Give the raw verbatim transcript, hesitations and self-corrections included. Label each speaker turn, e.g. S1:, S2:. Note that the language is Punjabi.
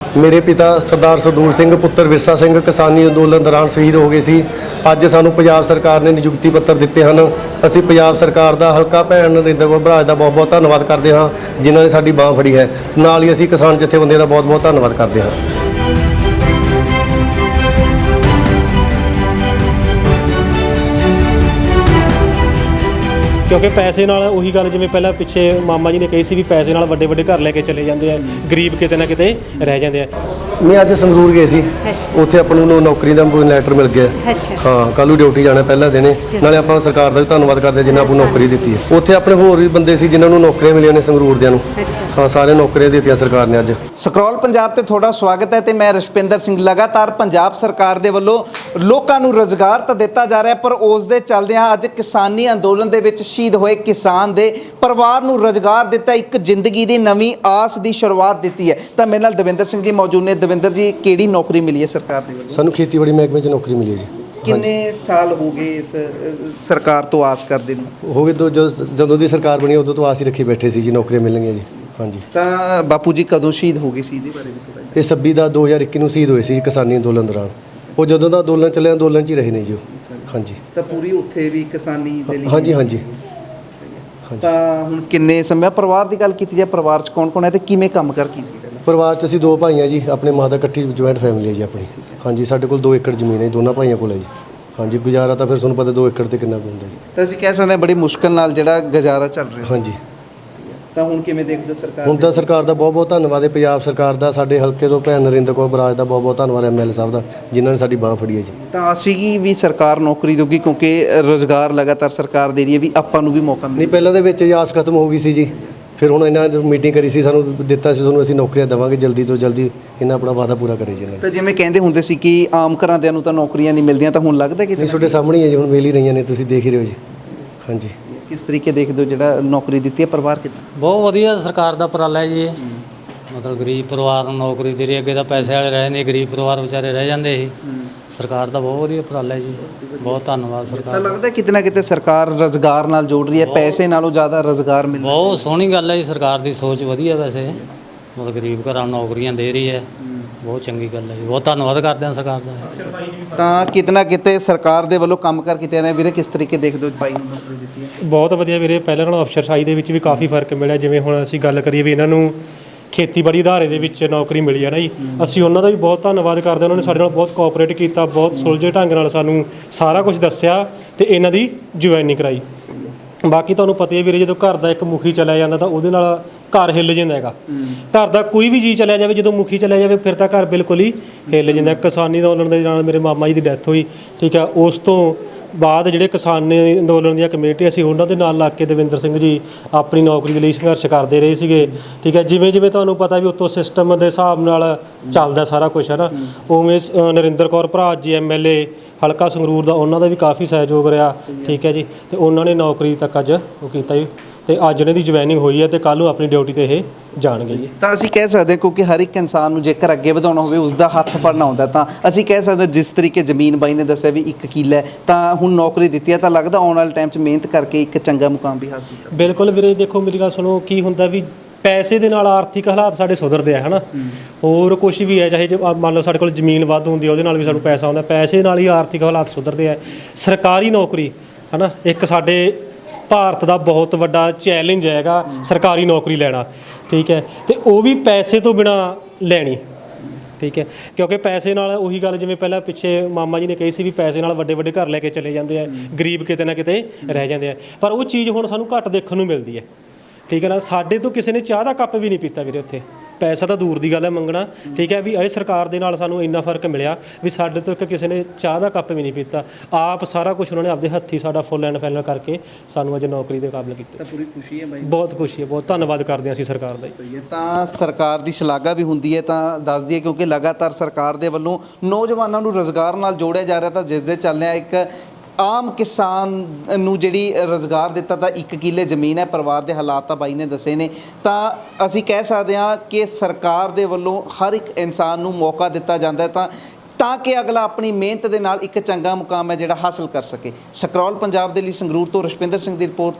S1: ਮੇਰੇ ਪਿਤਾ ਸਰਦਾਰ ਸਰਦੂਲ ਸਿੰਘ ਪੁੱਤਰ ਵਿਰਸਾ ਸਿੰਘ ਕਿਸਾਨੀ ਅੰਦੋਲਨ ਦੌਰਾਨ ਸ਼ਹੀਦ ਹੋ ਗਏ ਸੀ। ਅੱਜ ਸਾਨੂੰ ਪੰਜਾਬ ਸਰਕਾਰ ਨੇ ਨਿਯੁਕਤੀ ਪੱਤਰ ਦਿੱਤੇ ਹਨ। ਅਸੀਂ ਪੰਜਾਬ ਸਰਕਾਰ ਦਾ ਹਲਕਾ ਭੈਣ ਨਰਿੰਦਰ ਕੌਰ ਬਰਾੜ ਦਾ ਬਹੁਤ ਬਹੁਤ ਧੰਨਵਾਦ ਕਰਦੇ ਹਾਂ, ਜਿਨ੍ਹਾਂ ਨੇ ਸਾਡੀ ਬਾਂਹ ਫੜੀ ਹੈ। ਨਾਲ ਹੀ ਅਸੀਂ ਕਿਸਾਨ ਜਥੇਬੰਦੀਆਂ ਦਾ ਬਹੁਤ ਬਹੁਤ ਧੰਨਵਾਦ ਕਰਦੇ ਹਾਂ।
S2: क्योंकि पैसे नाल उही गल जिवें पहला पिछे मामा जी ने कही सी भी पैसे नाल वड्डे वड्डे घर लैके चले जाते हैं, गरीब किते ना किते रह जाते हैं।
S1: मैं अज संगरूर गए सी, उत्थे आपां नूं नौकरी दा लैटर मिल गया। हाँ, कल ड्यूटी जाना पहला दिन, नाले आपां सरकार दा भी धन्नवाद करदे जिन्हां आपां नौकरी दित्ती है। उत्थे अपने होर भी बंदे सी जिन्हां नूं नौकरियां मिलियां ने संगरूर दियां नूं। हाँ, सारे नौकरियां दित्तियां सरकार ने अज।
S3: ਸਕਰੋਲ ਪੰਜਾਬ ਤੇ ਤੁਹਾਡਾ ਸਵਾਗਤ ਹੈ ਤੇ ਮੈਂ ਰਸ਼ਪਿੰਦਰ ਸਿੰਘ। ਲਗਾਤਾਰ ਪੰਜਾਬ ਸਰਕਾਰ ਦੇ ਵੱਲੋਂ ਲੋਕਾਂ ਨੂੰ ਰੁਜ਼ਗਾਰ ਤਾਂ ਦਿੱਤਾ ਜਾ ਰਿਹਾ, ਪਰ ਉਸ ਦੇ ਚੱਲਦਿਆਂ ਅੱਜ ਕਿਸਾਨੀ ਅੰਦੋਲਨ ਦੇ ਵਿੱਚ ਸ਼ਹੀਦ ਹੋਏ ਕਿਸਾਨ ਦੇ ਪਰਿਵਾਰ ਨੂੰ ਰੁਜ਼ਗਾਰ ਦਿੱਤਾ, ਇੱਕ ਜ਼ਿੰਦਗੀ ਦੀ ਨਵੀਂ ਆਸ ਦੀ ਸ਼ੁਰੂਆਤ ਦਿੱਤੀ ਹੈ। ਤਾਂ ਮੇਰੇ ਨਾਲ ਦਵਿੰਦਰ ਸਿੰਘ ਜੀ ਮੌਜੂਦ ਨੇ। ਦਵਿੰਦਰ ਜੀ, ਕਿਹੜੀ ਨੌਕਰੀ ਮਿਲੀ ਹੈ ਸਰਕਾਰ ਦੇ ਵੱਲੋਂ?
S1: ਸਾਨੂੰ ਖੇਤੀਬਾੜੀ ਮਹਿਕਮੇ 'ਚ ਨੌਕਰੀ ਮਿਲੀ ਹੈ ਜੀ।
S3: ਕਿੰਨੇ ਸਾਲ ਹੋ ਗਏ ਇਸ ਸਰਕਾਰ ਤੋਂ ਆਸ ਕਰਦੇ ਨੂੰ?
S1: ਹੋ ਗਏ ਦੋ ਜਦੋਂ ਦੀ ਸਰਕਾਰ ਬਣੀ ਉਦੋਂ ਤੋਂ ਆਸ ਹੀ ਰੱਖੀ ਬੈਠੇ ਸੀ ਜੀ ਨੌਕਰੀਆਂ ਮਿਲਣਗੀਆਂ ਜੀ। ਹਾਂਜੀ,
S3: ਤਾਂ ਬਾਪੂ ਜੀ ਕਦੋਂ ਸ਼ਹੀਦ ਹੋ ਗਏ ਸੀ, ਇਹਦੇ ਬਾਰੇ ਵੀ ਥੋੜ੍ਹਾ
S1: ਇਹ ਛੱਬੀ ਦਾ ਦੋ ਹਜ਼ਾਰ ਇੱਕੀ ਨੂੰ ਸ਼ਹੀਦ ਹੋਏ ਸੀ ਕਿਸਾਨੀ ਅੰਦੋਲਨ ਦੌਰਾਨ। ਉਹ ਜਦੋਂ ਦਾ ਅੰਦੋਲਨ ਚੱਲਿਆ ਅੰਦੋਲਨ 'ਚ ਹੀ ਰਹੇ ਨੇ ਜੀ ਉਹ। ਹਾਂਜੀ,
S3: ਤਾਂ ਪੂਰੀ ਉੱਥੇ ਵੀ ਕਿਸਾਨੀ ਦੇ ਲਈ?
S1: ਹਾਂਜੀ ਹਾਂਜੀ।
S3: ਤਾਂ ਹੁਣ ਕਿੰਨੇ ਸਮੇਂ ਪਰਿਵਾਰ ਦੀ ਗੱਲ ਕੀਤੀ ਜਾਏ, ਪਰਿਵਾਰ 'ਚ ਕੌਣ ਕੌਣ ਹੈ ਤੇ ਕਿਵੇਂ ਕੰਮ ਕਰ ਕੀ ਸੀ?
S1: ਪਰਿਵਾਰ 'ਚ ਅਸੀਂ ਦੋ ਭਾਈ ਹਾਂ ਜੀ, ਆਪਣੇ ਮਾਂ ਦਾ ਇਕੱਠੀ ਜੁਆਇੰਟ ਫੈਮਿਲੀ ਹੈ ਜੀ ਆਪਣੀ। ਹਾਂਜੀ, ਸਾਡੇ ਕੋਲ ਦੋ ਏਕੜ ਜ਼ਮੀਨ ਹੈ ਜੀ, ਦੋਨਾਂ ਭਾਈਆਂ ਕੋਲ ਹੈ ਜੀ। ਹਾਂਜੀ, ਗੁਜ਼ਾਰਾ ਤਾਂ ਫਿਰ ਤੁਹਾਨੂੰ ਪਤਾ ਦੋ ਏਕੜ ਤੇ ਕਿੰਨਾ ਕੁ ਹੁੰਦਾ ਜੀ।
S3: ਤਾਂ ਅਸੀਂ ਕਹਿ ਸਕਦੇ ਹਾਂ ਬੜੀ ਮੁਸ਼ਕਲ ਨਾਲ ਜਿਹੜਾ ਗੁਜ਼ਾਰਾ ਚੱਲ ਰਿਹਾ।
S1: ਹਾਂਜੀ,
S3: ਤਾਂ ਹੁਣ ਕਿਵੇਂ ਦੇਖਦੇ ਹੋ ਸਰਕਾਰ?
S1: ਹੁਣ ਤਾਂ ਸਰਕਾਰ ਦਾ ਬਹੁਤ ਬਹੁਤ ਧੰਨਵਾਦ ਹੈ, ਪੰਜਾਬ ਸਰਕਾਰ ਦਾ, ਸਾਡੇ ਹਲਕੇ ਤੋਂ ਭੈਣ ਨਰਿੰਦਰ ਕੌਰ ਬਰਾੜ ਦਾ ਬਹੁਤ ਬਹੁਤ ਧੰਨਵਾਦ ਹੈ, ਐਮ ਐਲ ਏ ਸਾਹਿਬ ਦਾ, ਜਿਨ੍ਹਾਂ ਨੇ ਸਾਡੀ ਬਾਂਹ ਫੜੀ ਹੈ ਜੀ।
S3: ਤਾਂ ਅਸੀਂ ਵੀ ਸਰਕਾਰ ਨੌਕਰੀ ਦੇਊਗੀ ਕਿਉਂਕਿ ਰੁਜ਼ਗਾਰ ਲਗਾਤਾਰ ਸਰਕਾਰ ਦੇ ਰਹੀ ਹੈ, ਵੀ ਆਪਾਂ ਨੂੰ ਵੀ ਮੌਕਾ ਮਿਲੇ।
S1: ਨਹੀਂ, ਪਹਿਲਾਂ ਦੇ ਵਿੱਚ ਆਸ ਖਤਮ ਹੋ ਗਈ ਸੀ ਜੀ, ਫਿਰ ਹੁਣ ਇਹਨਾਂ ਮੀਟਿੰਗ ਕਰੀ ਸੀ, ਸਾਨੂੰ ਦਿੱਤਾ ਸੀ ਤੁਹਾਨੂੰ ਅਸੀਂ ਨੌਕਰੀਆਂ ਦੇਵਾਂਗੇ ਜਲਦੀ ਤੋਂ ਜਲਦੀ, ਇਹਨਾਂ ਆਪਣਾ ਵਾਅਦਾ ਪੂਰਾ ਕਰੇ ਜੀ ਇਹਨਾਂ ਨੇ।
S3: ਤਾਂ ਜਿਵੇਂ ਕਹਿੰਦੇ ਹੁੰਦੇ ਸੀ ਕਿ ਆਮ ਘਰਾਂ ਦਿਆਂ ਨੂੰ ਤਾਂ ਨੌਕਰੀਆਂ ਨਹੀਂ ਮਿਲਦੀਆਂ, ਤਾਂ ਹੁਣ ਲੱਗਦਾ ਕਿ
S1: ਨਹੀਂ, ਤੁਹਾਡੇ ਸਾਹਮਣੇ ਹੀ ਹੈ ਜੀ, ਹੁਣ ਮਿਲ ਹੀ ਰਹੀਆਂ ਨੇ, ਤੁਸੀਂ ਦੇਖ ਹੀ ਰਹੇ ਹੋ ਜੀ। ਹਾਂਜੀ,
S3: ਕਿਸ ਤਰੀਕੇ ਦੇਖਦੇ ਹੋ ਜਿਹੜਾ ਨੌਕਰੀ ਦਿੱਤੀ ਹੈ ਪਰਿਵਾਰ ਕਿੱਦਾਂ?
S4: ਬਹੁਤ ਵਧੀਆ ਸਰਕਾਰ ਦਾ ਉਪਰਾਲਾ ਹੈ ਜੀ ਇਹ। ਮਤਲਬ ਗਰੀਬ ਪਰਿਵਾਰ ਨੂੰ ਨੌਕਰੀ ਦੇ ਰਹੀ, ਅੱਗੇ ਤਾਂ ਪੈਸੇ ਵਾਲੇ ਰਹਿ ਜਾਂਦੇ, ਗਰੀਬ ਪਰਿਵਾਰ ਵਿਚਾਰੇ ਰਹਿ ਜਾਂਦੇ ਸੀ। ਸਰਕਾਰ ਦਾ ਬਹੁਤ ਵਧੀਆ ਉਪਰਾਲਾ ਹੈ ਜੀ, ਬਹੁਤ ਧੰਨਵਾਦ ਸਰਕਾਰ
S3: ਤਾਂ ਲੱਗਦਾ ਕਿਤੇ ਨਾ ਕਿਤੇ ਸਰਕਾਰ ਰੁਜ਼ਗਾਰ ਨਾਲ ਜੋੜ ਰਹੀ ਹੈ, ਪੈਸੇ ਨਾਲੋਂ ਜ਼ਿਆਦਾ ਰੁਜ਼ਗਾਰ ਮਿਲ ਰਿਹਾ।
S4: ਬਹੁਤ ਸੋਹਣੀ ਗੱਲ ਹੈ ਜੀ, ਸਰਕਾਰ ਦੀ ਸੋਚ ਵਧੀਆ ਵੈਸੇ, ਮਤਲਬ ਗਰੀਬ ਘਰਾਂ ਨੂੰ ਨੌਕਰੀਆਂ ਦੇ ਰਹੀ ਹੈ, ਬਹੁਤ ਚੰਗੀ ਗੱਲ ਹੈ ਜੀ, ਬਹੁਤ ਧੰਨਵਾਦ ਕਰਦੇ ਹਾਂ ਸਰਕਾਰ ਦਾ।
S3: ਤਾਂ ਕਿਤੇ ਨਾ ਕਿਤੇ ਸਰਕਾਰ ਦੇ ਵੱਲੋਂ ਕੰਮ ਕਰ ਕੀਤੇ ਨੇ ਵੀਰੇ, ਕਿਸ ਤਰੀਕੇ ਦੇਖਦੇ ਹੋ ਭਾਈ ਨੂੰ ਨੌਕਰੀ ਦਿੱਤੀ ਹੈ?
S2: ਬਹੁਤ ਵਧੀਆ ਵੀਰੇ, ਪਹਿਲਾਂ ਨਾਲੋਂ ਅਫਸਰਸ਼ਾਹੀ ਦੇ ਵਿੱਚ ਵੀ ਕਾਫੀ ਫਰਕ ਮਿਲਿਆ। ਜਿਵੇਂ ਹੁਣ ਅਸੀਂ ਗੱਲ ਕਰੀਏ ਵੀ ਇਹਨਾਂ ਨੂੰ ਖੇਤੀਬਾੜੀ ਅਦਾਰੇ ਦੇ ਵਿੱਚ ਨੌਕਰੀ ਮਿਲੀ ਹੈ ਨਾ ਜੀ, ਅਸੀਂ ਉਹਨਾਂ ਦਾ ਵੀ ਬਹੁਤ ਧੰਨਵਾਦ ਕਰਦੇ ਹਾਂ। ਉਹਨਾਂ ਨੇ ਸਾਡੇ ਨਾਲ ਬਹੁਤ ਕੋਆਪਰੇਟ ਕੀਤਾ, ਬਹੁਤ ਸੁਲਝੇ ਢੰਗ ਨਾਲ ਸਾਨੂੰ ਸਾਰਾ ਕੁਝ ਦੱਸਿਆ ਤੇ ਇਹਨਾਂ ਦੀ ਜੁਆਇਨਿੰਗ ਕਰਾਈ। ਬਾਕੀ ਤੁਹਾਨੂੰ ਪਤਾ ਹੀ ਵੀਰੇ, ਜਦੋਂ ਘਰ ਦਾ ਇੱਕ ਮੁਖੀ ਚਲਿਆ ਜਾਂਦਾ ਤਾਂ ਉਹਦੇ ਨਾਲ ਘਰ ਹਿੱਲ ਜਾਂਦਾ ਹੈਗਾ। ਘਰ ਦਾ ਕੋਈ ਵੀ ਜੀ ਚਲਿਆ ਜਾਵੇ, ਜਦੋਂ ਮੁਖੀ ਚਲਿਆ ਜਾਵੇ ਫਿਰ ਤਾਂ ਘਰ ਬਿਲਕੁਲ ਹੀ ਹਿੱਲ ਜਾਂਦਾ। ਕਿਸਾਨੀ ਅੰਦੋਲਨ ਦੇ ਨਾਲ ਮੇਰੇ ਮਾਮਾ ਜੀ ਦੀ ਡੈਥ ਹੋਈ, ਠੀਕ ਹੈ। ਉਸ ਤੋਂ ਬਾਅਦ ਜਿਹੜੇ ਕਿਸਾਨੀ ਅੰਦੋਲਨ ਦੀਆਂ ਕਮੇਟੀ ਸੀ ਉਹਨਾਂ ਦੇ ਨਾਲ ਲੱਗ ਕੇ ਦਵਿੰਦਰ ਸਿੰਘ ਜੀ ਆਪਣੀ ਨੌਕਰੀ ਦੇ ਲਈ ਸੰਘਰਸ਼ ਕਰਦੇ ਰਹੇ ਸੀਗੇ, ਠੀਕ ਹੈ। ਜਿਵੇਂ ਜਿਵੇਂ ਤੁਹਾਨੂੰ ਪਤਾ ਵੀ ਉੱਤੋਂ ਸਿਸਟਮ ਦੇ ਹਿਸਾਬ ਨਾਲ ਚੱਲਦਾ ਸਾਰਾ ਕੁਛ ਹੈ ਨਾ, ਉਵੇਂ ਨਰਿੰਦਰ ਕੌਰ ਭਰਾ ਜੀ ਐਮ ਐਲ ਏ ਹਲਕਾ ਸੰਗਰੂਰ ਦਾ, ਉਹਨਾਂ ਦਾ ਵੀ ਕਾਫੀ ਸਹਿਯੋਗ ਰਿਹਾ, ਠੀਕ ਹੈ ਜੀ। ਤੇ ਉਹਨਾਂ ਨੇ ਨੌਕਰੀ ਤੱਕ ਅੱਜ ਉਹ ਕੀਤਾ ਜੀ, ਤੇ ਅੱਜ ਇਹਨਾਂ ਦੀ ਜੁਆਇਨਿੰਗ ਹੋਈ ਹੈ ਤੇ ਕੱਲ੍ਹ ਨੂੰ ਆਪਣੀ ਡਿਊਟੀ 'ਤੇ ਇਹ ਜਾਣਗੇ ਜੀ।
S3: ਤਾਂ ਅਸੀਂ ਕਹਿ ਸਕਦੇ ਕਿਉਂਕਿ ਹਰ ਇੱਕ ਇਨਸਾਨ ਨੂੰ ਜੇਕਰ ਅੱਗੇ ਵਧਾਉਣਾ ਹੋਵੇ ਉਸ ਦਾ ਹੱਥ ਫੜਨਾ ਹੁੰਦਾ, ਤਾਂ ਅਸੀਂ ਕਹਿ ਸਕਦੇ ਜਿਸ ਤਰੀਕੇ ਜ਼ਮੀਨ ਬਾਈ ਨੇ ਦੱਸਿਆ ਵੀ ਇੱਕ ਕਿੱਲਾ ਹੈ, ਤਾਂ ਹੁਣ ਨੌਕਰੀ ਦਿੱਤੀ ਹੈ, ਤਾਂ ਲੱਗਦਾ ਆਉਣ ਵਾਲੇ ਟਾਈਮ 'ਚ ਮਿਹਨਤ ਕਰਕੇ ਇੱਕ ਚੰਗਾ ਮੁਕਾਮ ਵੀ ਹਾਸਿਲ ਕਰ।
S2: ਬਿਲਕੁਲ ਵੀਰੇ, ਦੇਖੋ ਮੇਰੀ ਗੱਲ ਸੁਣੋ, ਕੀ ਹੁੰਦਾ ਵੀ ਪੈਸੇ ਦੇ ਨਾਲ ਆਰਥਿਕ ਹਾਲਾਤ ਸਾਡੇ ਸੁਧਰਦੇ ਆ, ਹੈ ਨਾ। ਹੋਰ ਕੁਛ ਵੀ ਹੈ, ਚਾਹੇ ਜੇ ਮੰਨ ਲਓ ਸਾਡੇ ਕੋਲ ਜ਼ਮੀਨ ਵੱਧ ਹੁੰਦੀ ਹੈ ਉਹਦੇ ਨਾਲ ਵੀ ਸਾਨੂੰ ਪੈਸਾ ਆਉਂਦਾ, ਪੈਸੇ ਨਾਲ ਹੀ ਆਰਥਿਕ ਹਾਲਾਤ ਸੁਧਰਦੇ ਆ। ਸਰਕਾਰੀ ਨੌਕਰੀ ਹੈ ਨਾ, ਇੱਕ ਸਾਡੇ ਭਾਰਤ ਦਾ ਬਹੁਤ ਵੱਡਾ ਚੈਲੰਜ ਹੈਗਾ ਸਰਕਾਰੀ ਨੌਕਰੀ ਲੈਣਾ, ਠੀਕ ਹੈ। ਤੇ ਉਹ ਵੀ ਪੈਸੇ ਤੋਂ ਬਿਨਾਂ ਲੈਣੀ, ਠੀਕ ਹੈ। ਕਿਉਂਕਿ ਪੈਸੇ ਨਾਲ ਉਹੀ ਗੱਲ ਜਿਵੇਂ ਪਹਿਲਾਂ ਪਿੱਛੇ ਮਾਮਾ ਜੀ ਨੇ ਕਹੀ ਸੀ ਵੀ ਪੈਸੇ ਨਾਲ ਵੱਡੇ ਵੱਡੇ ਘਰ ਲੈ ਕੇ ਚਲੇ ਜਾਂਦੇ ਆ, ਗਰੀਬ ਕਿਤੇ ਨਾ ਕਿਤੇ ਰਹਿ ਜਾਂਦੇ ਆ। ਪਰ ਉਹ ਚੀਜ਼ ਹੁਣ ਸਾਨੂੰ ਘੱਟ ਦੇਖਣ ਨੂੰ ਮਿਲਦੀ ਹੈ, ਠੀਕ ਹੈ ਨਾ। ਸਾਡੇ ਤੋਂ ਕਿਸੇ ਨੇ ਚਾਹ ਦਾ ਕੱਪ ਵੀ ਨਹੀਂ ਪੀਤਾ ਵੀਰੇ ਉੱਥੇ, ਪੈਸਾ ਤਾਂ ਦੂਰ ਦੀ ਗੱਲ ਹੈ ਮੰਗਣਾ, ਠੀਕ ਹੈ। ਵੀ ਇਹ ਸਰਕਾਰ ਦੇ ਨਾਲ ਸਾਨੂੰ ਇੰਨਾ ਫਰਕ ਮਿਲਿਆ ਵੀ ਸਾਡੇ ਤੋਂ ਇੱਕ ਕਿਸੇ ਨੇ ਚਾਹ ਦਾ ਕੱਪ ਵੀ ਨਹੀਂ ਪੀਤਾ। ਆਪ ਸਾਰਾ ਕੁਝ ਉਹਨਾਂ ਨੇ ਆਪਦੇ ਹੱਥੀਂ ਸਾਡਾ ਫੁੱਲ ਐਂਡ ਫਾਈਨਲ ਕਰਕੇ ਸਾਨੂੰ ਅੱਜ ਨੌਕਰੀ ਦੇ ਕਾਬਿਲ ਕੀਤਾ।
S3: ਤਾਂ ਪੂਰੀ ਖੁਸ਼ੀ ਹੈ ਬਾਈ? ਬਹੁਤ
S2: ਖੁਸ਼ੀ ਹੈ, ਬਹੁਤ ਧੰਨਵਾਦ ਕਰਦੇ ਹਾਂ ਅਸੀਂ ਸਰਕਾਰ ਦਾ।
S3: ਸਹੀ ਹੈ। ਤਾਂ ਸਰਕਾਰ ਦੀ ਸ਼ਲਾਘਾ ਵੀ ਹੁੰਦੀ ਹੈ, ਤਾਂ ਦੱਸ ਦਈਏ ਕਿਉਂਕਿ ਲਗਾਤਾਰ ਸਰਕਾਰ ਦੇ ਵੱਲੋਂ ਨੌਜਵਾਨਾਂ ਨੂੰ ਰੁਜ਼ਗਾਰ ਨਾਲ ਜੋੜਿਆ ਜਾ ਰਿਹਾ, ਤਾਂ ਜਿਸ ਦੇ ਚੱਲਦਿਆਂ ਇੱਕ ਆਮ ਕਿਸਾਨ ਨੂੰ ਜਿਹੜੀ ਰੁਜ਼ਗਾਰ ਦਿੱਤਾ, ਤਾਂ ਇੱਕ ਕਿੱਲੇ ਜ਼ਮੀਨ ਹੈ, ਪਰਿਵਾਰ ਦੇ ਹਾਲਾਤ ਤਾਂ ਬਾਈ ਨੇ ਦੱਸੇ ਨੇ। ਤਾਂ ਅਸੀਂ ਕਹਿ ਸਕਦੇ ਹਾਂ ਕਿ ਸਰਕਾਰ ਦੇ ਵੱਲੋਂ ਹਰ ਇੱਕ ਇਨਸਾਨ ਨੂੰ ਮੌਕਾ ਦਿੱਤਾ ਜਾਂਦਾ ਹੈ ਤਾਂ ਤਾਂ ਕਿ ਅਗਲਾ ਆਪਣੀ ਮਿਹਨਤ ਦੇ ਨਾਲ ਇੱਕ ਚੰਗਾ ਮੁਕਾਮ ਹੈ ਜਿਹੜਾ ਹਾਸਲ ਕਰ ਸਕੇ। ਸਕਰੋਲ ਪੰਜਾਬ ਦੇ ਲਈ ਸੰਗਰੂਰ ਤੋਂ ਰਸ਼ਪਿੰਦਰ ਸਿੰਘ ਦੀ ਰਿਪੋਰਟ।